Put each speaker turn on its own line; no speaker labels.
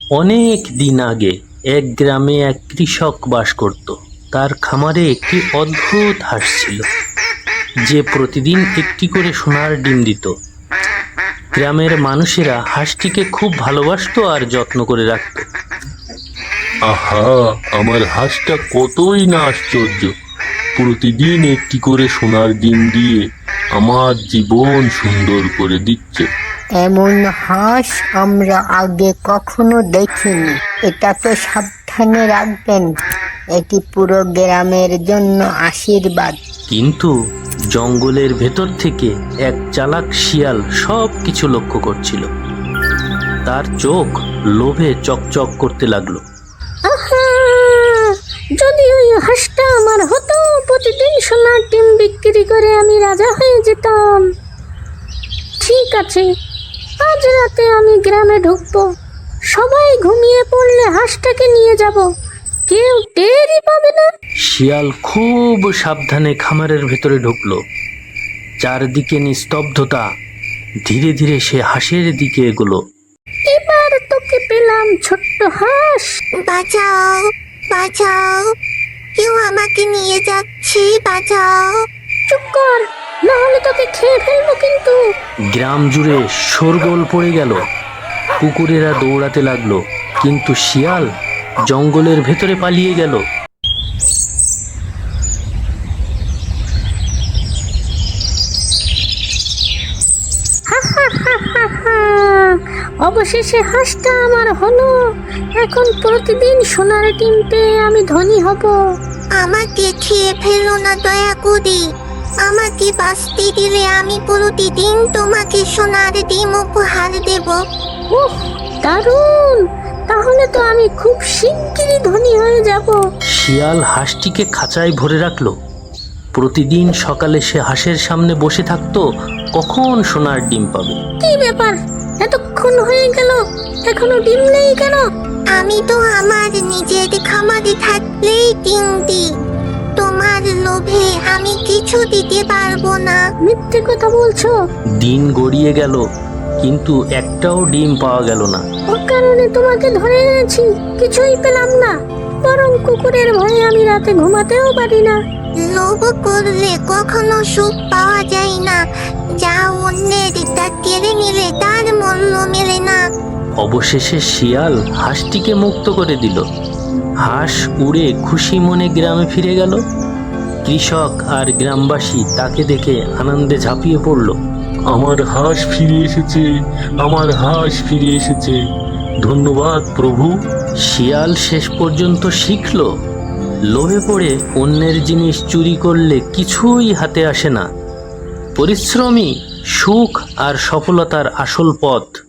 অনেক দিন আগে এক গ্রামে এক কৃষক বাস করত। তার খামারে একটি অদ্ভুত হাঁস ছিল, যে প্রতিদিন একটি করে সোনার ডিম দিত। গ্রামের মানুষেরা হাঁসটিকে খুব ভালোবাসতো আর যত্ন করে রাখত।
আহা, আমার হাঁসটা কতই না আশ্চর্য! প্রতিদিন একটি করে সোনার ডিম দিয়ে আমার জীবন সুন্দর করে দিচ্ছে।
এমন হাঁস আমরা আগে কখনো দেখিনি। এটাকে সাবধানে রাখবেন, এটি পুরো গ্রামের জন্য আশীর্বাদ।
কিন্তু জঙ্গলের ভেতর থেকে এক চালাক শিয়াল সব কিছু লক্ষ্য করছিল। তার চোখ লোভে চকচক করতে লাগলো।
যদি ওই হাঁসটা আমার হতো, প্রতিদিন সোনার ডিম বিক্রি করে আমি রাজা হয়ে যেতাম। ঠিক আছে, আজ রাতে আমি গ্রামে ঢুকবো। সবাই ঘুমিয়ে পড়লে হাঁসটাকে নিয়ে যাব, কেউ টেরই পাবে না।
শিয়াল খুব সাবধানে খামারের ভেতরে ঢুকলো। চারদিকে নিস্তব্ধতা। ধীরে ধীরে সে হাঁসের দিকে এগোলো।
এবার তোকে পেলাম, ছোট্ট হাঁস।
বাঁচাও, বাঁচাও, কেউ আমাকে নিয়ে যাচ্ছে, বাঁচাও।
চুপ কর, না হলে তোকে খেয়ে ফেলবো কিন্তু।
গ্রাম জুড়ে শোরগোল পড়ে গেল। কুকুরেরা দৌড়াতে লাগলো, কিন্তু শিয়াল জঙ্গলের ভেতরে পালিয়ে গেল।
অবশেষে হাঁসটা আমার হলো। এখন প্রতিদিন সোনার ডিম পেয়ে আমি ধনী হব।
আমাকে খেয়ে ফেলো না দয়া করে। আমাকে বাঁচতে দিলে আমি প্রতিদিন তোমাকে সোনার ডিম উপহার দেব।
উহ, দারুণ! তাহলে তো আমি খুব শিগগিরই ধনী হয়ে যাব।
শিয়াল হাঁসটিকে খাঁচায় ভরে রাখলো। প্রতিদিন সকালে সে হাঁসের সামনে বসে থাকতো, কখন সোনার ডিম পাবে।
কি ব্যাপার, এতক্ষণ হয়ে গেল, এখনো ডিম নেই কেন?
আমি তো আমার নিজের খামারে থাকলেই ডিম দিই। তোমার লোভে আমি কিছু দিতে পারবো না।
মিথ্যে কথা বলছো।
দিন গড়িয়ে গেল, কিন্তু একটাও ডিম পাওয়া গেল না।
ও কারণে তোমাকে ধরে এনেছি, কিছুই পেলাম না। বরং কুকুরের ভয়ে আমি রাতে ঘুমাতেও পারি না।
লোভ করলে কখনো সুখ পাওয়া যায় না। যা অন্যের তা কেড়ে নিলে তার মূল্য মেলে না।
অবশেষে শিয়াল হাঁসটিকে মুক্ত করে দিল। হাঁস উড়ে খুশি মনে গ্রামে ফিরে গেল। কৃষক আর গ্রামবাসী তাকে দেখে আনন্দে ঝাঁপিয়ে পড়ল।
আমার হাঁস ফিরে এসেছে, আমার হাঁস ফিরে এসেছে, ধন্যবাদ প্রভু।
শিয়াল শেষ পর্যন্ত শিখল, লোভে পড়ে অন্যের জিনিস চুরি করলে কিছুই হাতে আসে না। পরিশ্রমী সুখ আর সফলতার আসল পথ।